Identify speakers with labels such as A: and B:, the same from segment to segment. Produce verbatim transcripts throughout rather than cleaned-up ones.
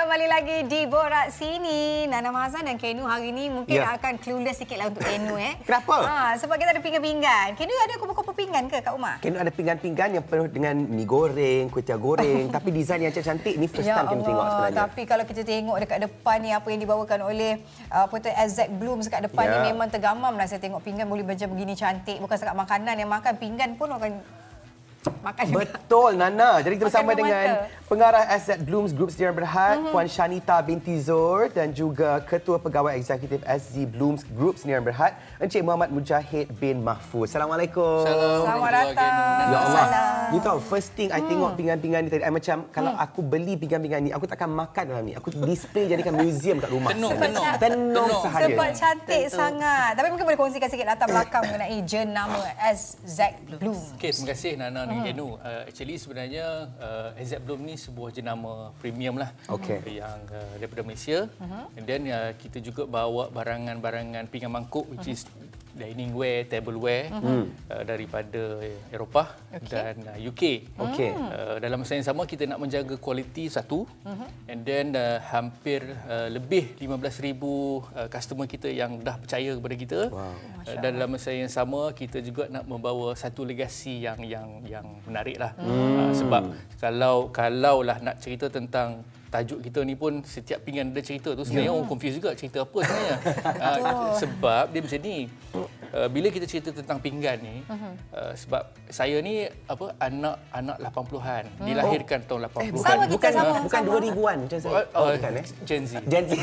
A: kembali lagi di Borak Sini. Nana Mahazan dan Kenu hari ini mungkin
B: Ya.
A: akan clueless sikit lah untuk Kenu. Eh.
B: Kenapa?
A: Ha, sebab kita ada pinggan-pinggan. Kenu ada kupu-kupu pinggan ke kat rumah?
B: Kena ada pinggan-pinggan yang penuh dengan mi goreng, kuih tiaw goreng. Tapi design yang cantik ni first
A: Ya
B: time kena tengok sebenarnya.
A: Tapi kalau kita tengok dekat depan ni apa yang dibawakan oleh uh, apa tu Exact Blooms kat depan
B: Ya.
A: ni memang tergamam lah saya tengok pinggan boleh macam begini cantik. Bukan setakat makanan yang makan, pinggan pun orang makan juga.
B: Betul, Nana. Jadi kita
A: Makan
B: bersama
A: memang
B: dengan
A: mata.
B: pengarah Exact Blooms Group Sdn Berhad, mm-hmm. Puan Shanita binti Zor dan juga Ketua Pegawai Eksekutif S Z Blooms Group Sdn Berhad, Encik Muhammad Mujahid bin Mahfuz. Assalamualaikum.
A: Selamat datang.
B: Ya Allah.
A: Salam.
B: You tahu, first thing I tengok pinggan-pinggan ni tadi, I macam kalau aku beli pinggan-pinggan ni, aku takkan makan dalam ni. Aku display jadikan museum kat rumah.
C: Tenung, tenung.
B: Tenung sahaja.
A: Sebab cantik Tentu. sangat. Tapi mungkin boleh kongsikan sikit latar belakang mengenai jenama Exact Blooms.
C: Okey, terima kasih Nana dan Kenu. Uh, actually sebenarnya uh, Exact Bloom ni sebuah jenama premium lah.
B: Okey.
C: Yang uh, daripada Malaysia. Uh-huh. And then uh, kita juga bawa barangan-barangan pinggan mangkuk which is dining ware, tableware uh-huh. uh, daripada Eropah okay. dan uh, U K.
B: Okey.
C: Uh, dalam masa yang sama kita nak menjaga kualiti satu. Uh-huh. And then uh, hampir uh, lebih lima belas ribu uh, customer kita yang dah percaya kepada kita.
B: Wow.
C: Uh, dan dalam masa yang sama kita juga nak membawa satu legasi yang yang yang menarik lah. Hmm. Uh, sebab kalau kalaulah nak cerita tentang tajuk kita ni pun setiap pinggan ada cerita tu sebenarnya yeah. orang confuse juga cerita apa sebenarnya. uh, sebab dia macam ni. Uh, bila kita cerita tentang pinggan ni uh-huh. uh, sebab saya ni apa anak-anak lapan puluhan hmm. dilahirkan oh. tahun lapan puluhan.
A: Sama kita
B: bukan
A: sama,
B: bukan
A: sama.
B: dua ribuan macam saya.
C: Oh,
B: Oh, bukan eh.
C: Gen Z.
B: Gen Z.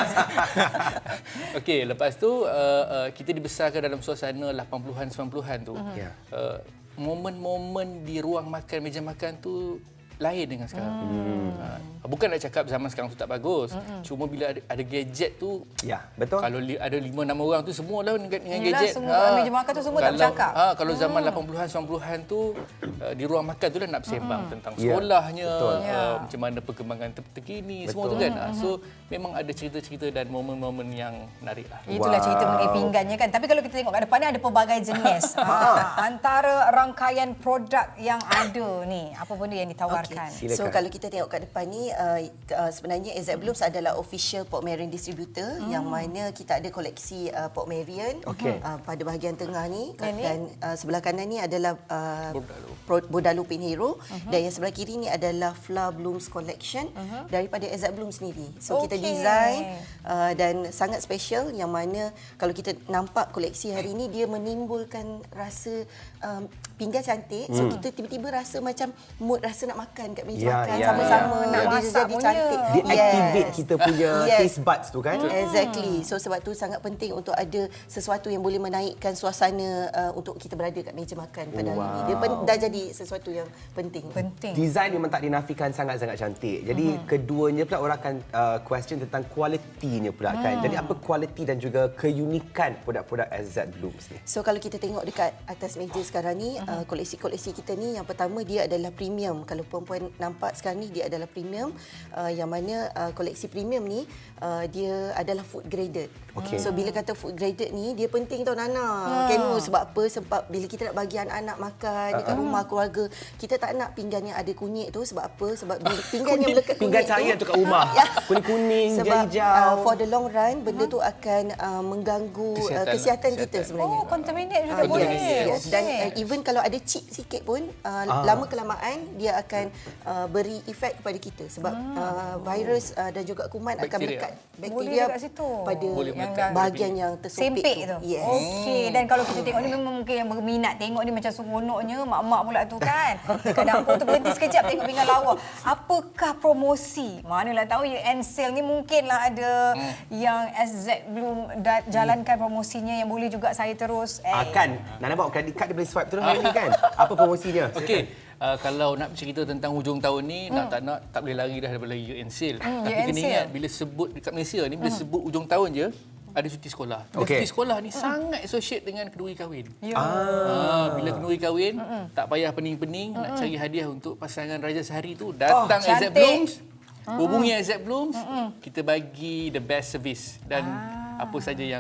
C: Okey, lepas tu uh, uh, kita dibesarkan dalam suasana lapan puluhan sembilan puluhan tu. Uh-huh.
B: Yeah.
C: Uh, momen-momen di ruang makan, meja makan tu lain dengan sekarang. Hmm. Ha, bukan nak cakap zaman sekarang tu tak bagus. Hmm. Cuma bila ada, ada gadget tu,
B: ya, betul.
C: Kalau li, ada lima enam orang tu semua lah dengan, dengan
A: Yalah,
C: gadget.
A: Semua ha, meja makan tu semua
C: kalau,
A: tak bercakap.
C: Ha, kalau zaman hmm. lapan puluhan sembilan puluhan tu uh, di ruang makan tu dah nak bersembang hmm. tentang
B: Ya,
C: sekolahnya,
B: betul.
C: uh,
A: Ya.
C: macam mana perkembangan ter- terkini,
B: Betul.
C: semua tu kan. Hmm. So memang ada cerita-cerita dan momen-momen yang menarik lah.
A: Itulah wow. cerita mengenai pinggannya kan. Tapi kalau kita tengok kat depan ni ada pelbagai jenis. ha, antara rangkaian produk yang ada ni, apa benda yang ditawarkan?
D: Okay. So kalau kita tengok kat depan ni, uh, uh, sebenarnya Exact Blooms adalah official Pork Marion distributor hmm. yang mana kita ada koleksi uh, Pork Marion
B: okay.
D: uh, pada bahagian tengah ni
A: dan,
D: dan uh, sebelah kanan ni adalah uh,
C: Bordalu.
D: Bordalu Pin Hero uh-huh. dan yang sebelah kiri ni adalah Flour Blooms Collection uh-huh. daripada Exact Blooms sendiri. So okay. kita design uh, dan sangat special yang mana kalau kita nampak koleksi hari ini dia menimbulkan rasa um, pinggan cantik. So hmm. kita tiba-tiba rasa macam mood rasa nak makan kat meja
B: Ya,
D: makan
B: ya,
D: sama-sama
B: ya.
D: nak
A: Ya.
D: dia
A: Masak
D: jadi
A: punya.
D: cantik.
B: Dia activate kita punya
D: Yes.
B: taste buds tu kan.
D: Exactly. So sebab tu sangat penting untuk ada sesuatu yang boleh menaikkan suasana uh, untuk kita berada kat meja makan pada hari ini. Dia pen- dah jadi sesuatu yang penting.
A: Penting.
B: Design memang tak dinafikan sangat-sangat cantik. Jadi uh-huh. keduanya pula orang akan uh, question tentang kualitinya pula kan. Jadi apa kualiti dan juga keunikan produk-produk Exact Blooms ni?
D: So kalau kita tengok dekat atas meja sekarang ni, uh-huh. uh, koleksi-koleksi kita ni yang pertama dia adalah premium. Kalau puan-puan nampak sekarang ni dia adalah premium uh, yang mana uh, koleksi premium ni uh, dia adalah food graded.
B: Okay.
D: So bila kata food graded ni dia penting tau Nana. Hmm. Kenu sebab apa? Sebab bila kita nak bagi anak-anak makan dekat uh-huh. rumah keluarga, kita tak nak pinggan yang ada kunyit tu sebab apa? Sebab bila pinggan yang melekat
B: Pinggan
D: kunyit
B: cahaya
D: tu,
B: tu kat rumah.
D: Ya.
B: Kuning-kuning,
D: sebab
B: hijau.
D: uh, for the long run benda tu akan uh, mengganggu
C: Kesihatan
D: uh,
C: lah,
D: kesihatan kita
C: kesihatan.
D: sebenarnya.
A: Oh, contaminate juga
D: Ah,
A: boleh.
D: yes, yes.
A: Okey.
D: Dan uh, even kalau ada chip sikit pun uh,
B: Ah.
D: lama kelamaan dia akan uh, beri efek kepada kita sebab hmm. uh, virus uh, dan juga kuman akan
C: Bakteria.
D: melekat
A: Boleh
D: bakteria
A: dekat situ.
D: pada
C: Boleh
A: Yang
C: melekat.
D: bahagian yang tersempit
A: Sempit tu.
D: Yes.
A: Okey, dan kalau kita tengok ni memang mungkin yang berminat tengok ni macam seronoknya mak-mak pula tu kan. Dekat dapur tu berhenti sekejap tengok pinggan lawa. Apakah promosi? Manalah tahu you and sale ni mungkinlah ada hmm. yang Exact Bloom da- jalankan promosinya yang boleh juga saya terus eh.
B: Akan. Nana bawa credit card dia boleh swipe terus hari ni kan. Apa promosinya?
C: Okey. Uh, kalau nak bercerita tentang hujung tahun ni, hmm. nak tak nak tak boleh lari dah daripada year end sale.
A: Hmm,
C: Tapi
A: year end
C: kena
A: sale.
C: ingat bila sebut dekat Malaysia ni, bila hmm. sebut hujung tahun je, ada cuti sekolah. Dan
B: Okey.
C: cuti sekolah ni hmm. sangat associate dengan kenduri kahwin.
A: Ya.
C: Ah, bila kenduri kahwin, hmm. tak payah pening-pening hmm. nak cari hadiah untuk pasangan raja sehari tu, datang
A: Oh,
C: Exact
A: cantik.
C: Blooms, hubungi Exact Blooms, kita bagi the best service dan
A: Ah.
C: apa saja yang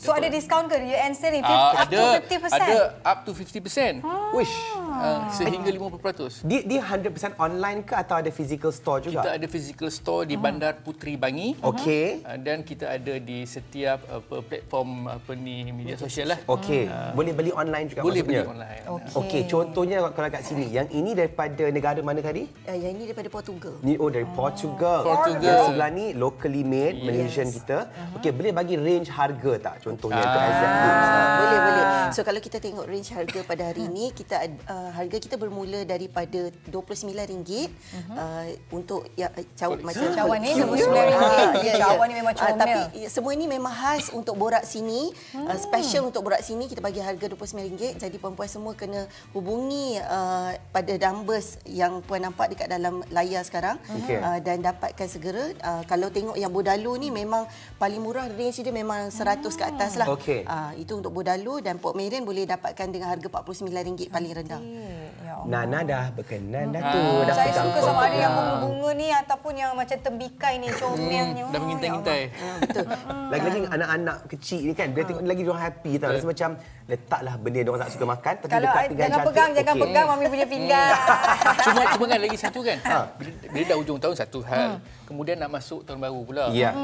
A: So ada diskaun ke U N sale ni?
C: Ah,
A: Up to
C: ada
A: fifty percent?
C: ada up to fifty percent.
B: Wish.
C: Uh, sehingga lima puluh peratus.
B: Dia, dia one hundred percent online ke atau ada physical store juga?
C: Kita ada physical store di Bandar Puteri Bangi.
B: Okey.
C: Uh, dan kita ada di setiap apa, platform apa ni media sosial lah.
B: Okey. Boleh beli online juga
C: Boleh beli
B: maksudnya?
C: online.
A: Okey.
B: Okey, contohnya kalau kat sini, yang ini daripada negara mana tadi?
D: Uh, yang ini daripada Portugal.
B: Ni oh dari Portugal.
C: Portugal.
B: Yang sebelah ni locally made Malaysian kita. Okey, boleh bagi range harga tak contohnya untuk Exact Blooms?
D: Ah, boleh boleh. So kalau kita tengok range harga pada hari ini, kita ad- uh, harga kita bermula daripada dua puluh sembilan ringgit uh, untuk ya cawan macam
A: Cawan ni
D: cute.
A: dua puluh sembilan ringgit.
D: Ah, ya, ya.
A: Cawan ni memang
D: Ah,
A: comel.
D: tapi ya, semua ini memang khas untuk borak sini. Uh, special untuk borak sini kita bagi harga dua puluh sembilan ringgit. Jadi puan-puan semua kena hubungi uh, pada numbers yang puan nampak dekat dalam layar sekarang
B: Okey.
D: uh, dan dapatkan segera. Uh, kalau tengok yang Bodalo ni memang paling murah, range dia memang seratus ke atas lah.
B: Okey.
D: Uh, itu untuk Bodalo, dan Pok Merian boleh dapatkan dengan harga empat puluh sembilan ringgit paling rendah.
A: Ya Allah.
B: Nana dah berkenan dah tu.
C: Ah.
B: Dah
A: Saya
B: pegang
A: suka sama ada yang
B: pegang.
A: bunga-bunga ni ataupun yang macam tembikai ni, comelnya.
C: Dah mengintai-intai.
D: Betul.
B: Lagi-lagi anak-anak kecil ni kan, bila tengok lagi diorang happy tau. Rasa macam letaklah benda diorang tak suka makan tapi
A: Kalau
B: dekat pinggan
A: jangan
B: cantik.
A: pegang, jangan
B: okey.
A: pegang mami punya pinggan.
C: Cuma cuma kan lagi satu kan. Bila, bila dah hujung tahun satu hal. Kemudian nak masuk tahun baru pula.
B: Ya.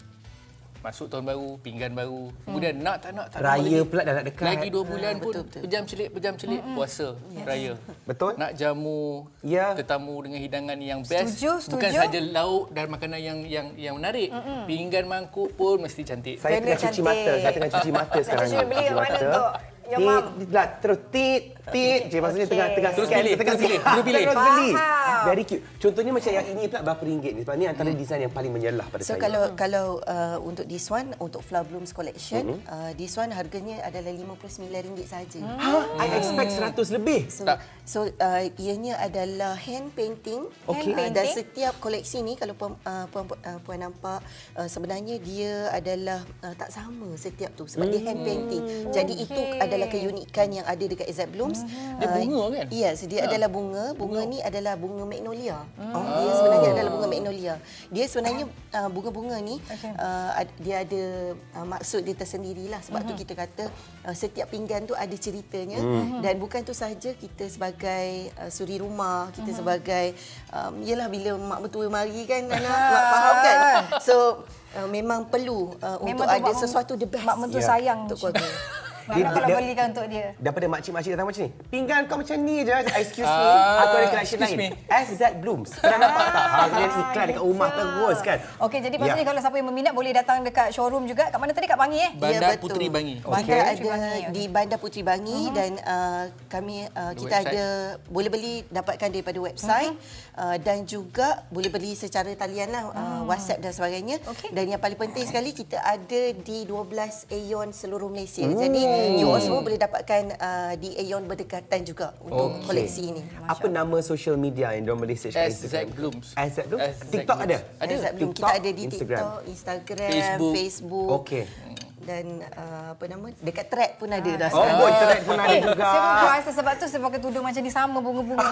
C: Masuk tahun baru, pinggan baru. Kemudian nak tak nak tak
B: Raya
C: nak lagi.
B: pula dah nak dekat.
C: Lagi dua bulan pun
D: betul, betul.
C: pejam celik pejam celik puasa raya.
B: Betul?
C: Nak jamu
B: Ya.
C: tetamu dengan hidangan yang best.
A: Setuju,
C: Bukan
A: setuju.
C: saja lauk dan makanan yang yang yang menarik. Pinggan mangkuk pun mesti cantik.
B: Saya
A: Kena
B: tengah cuci
A: cantik.
B: mata. Saya tengah cuci mata sekarang
A: cuci beli
B: Cuci
A: yang mana
B: mata.
A: tu? Yang
B: Tit,
A: mam.
B: lah, terus tit, tit. Je maksudnya tengah tengah
C: Terus
B: scan,
C: pilih,
B: tengah
C: terus pilih,
B: scan.
C: terus pilih.
B: Terus beli.
A: Faham.
B: Very cute. Contohnya macam yang ini pula berapa ringgit ni? Sebab ni antara desain yang paling menyelah pada
D: So
B: saya.
D: kalau kalau uh, untuk this one, untuk Flower Blooms collection, mm-hmm. uh, this one harganya adalah lima puluh sembilan ringgit saja.
B: Ha? I expect seratus lebih.
D: So,
C: Tak.
D: so uh, ianya adalah hand painting.
B: Okey.
D: Uh,
A: Hand
D: dan
A: painting.
D: setiap koleksi ni kalau puan, uh, puan, uh, puan nampak uh, sebenarnya dia adalah uh, tak sama setiap tu sebab dia hand painting. Jadi
A: Okey.
D: itu adalah keunikan yang ada dekat Exact Blooms.
C: Dia bunga kan?
D: Ya, yes, dia adalah bunga. Bunga ni adalah bunga magnolia. Dia sebenarnya adalah bunga magnolia. Dia sebenarnya uh, bunga-bunga ni uh, ad- dia ada uh, maksud dia tersendirilah. Sebab tu kita kata uh, setiap pinggan tu ada ceritanya, dan bukan tu sahaja kita sebagai uh, suri rumah, kita sebagai um, yalah bila mak mertua mari kan Nana, mak faham kan. So uh, memang perlu uh, untuk
A: Memang tu
D: ada
A: mak-
D: sesuatu the best
A: Mak mentua
B: Ya.
A: sayang
D: untuk keluarga.
A: Nak
B: Dia-
A: kalau
B: dia-
A: belikan untuk dia.
B: Daripada makcik-makcik datang macam ni. Pinggan kau macam ni je. Excuse me.
C: Ah,
B: Aku ada collection
C: excuse
B: lain.
C: me.
B: Exact Blooms. Pernah nampak tak? Ha, dia iklan dekat rumah terus kan.
A: Okey, jadi maksudnya
B: Ya.
A: kalau siapa yang berminat boleh datang dekat showroom juga. Kat mana tadi? Kat Bangi eh?
C: Bandar
D: betul.
C: Puteri Bangi.
D: Kita
A: Bandar
D: ada
A: Puteri Bangi, okey.
D: di Bandar Puteri Bangi, uh-huh. dan uh, kami uh, kita
C: website.
D: ada boleh beli dapatkan daripada website, uh-huh. uh, dan juga boleh beli secara talian lah, uh, WhatsApp dan sebagainya.
A: Okey.
D: Dan yang paling penting sekali kita ada di dua belas Aeon seluruh Malaysia. Jadi you all semua boleh dapatkan uh, di Aeon berdekatan juga untuk
C: Okey.
D: koleksi ini.
B: Apa nama social media yang diorang boleh search kat
C: Exact
B: Instagram?
C: Blooms.
B: Exact Blooms?
C: Exact
B: TikTok
C: Blooms.
B: ada?
C: Ada.
D: Exact Bloom. Kita
B: TikTok,
D: ada di
B: Instagram.
D: TikTok, Instagram,
C: Facebook.
D: Facebook.
B: Okey.
D: Dan uh, apa nama? Dekat Thread pun ada dah
B: Oh,
D: sekarang.
B: boy, internet pun ada
A: Eh,
B: juga.
A: saya pun rasa sebab tu saya pakai tudung macam ni sama bunga-bunga.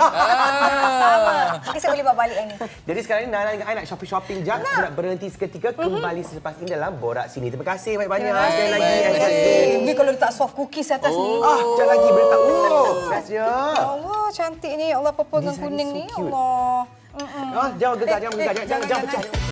A: Sama. Mungkin saya boleh bawa balik yang ni.
B: Jadi sekarang ni Nana dengan I nak shopping-shopping jap. Kita nak berhenti seketika, kembali selepas ini dalam Borak Sini. Terima kasih banyak-banyak. Sekali lagi.
C: Terima
B: Exact
C: kasih.
B: Blooms.
A: Ini kalau letak soft cookies atas ni.
B: Ah, jangan lagi berita. Oh, bestnya.
A: Ya Allah, cantik ni. Ya Allah, purple dengan
B: Design
A: kuning
B: so
A: ni. Ya
B: cute.
A: Allah.
B: Ah, jangan gegar, jangan gegar. Jangan, jangan, jangan pecah.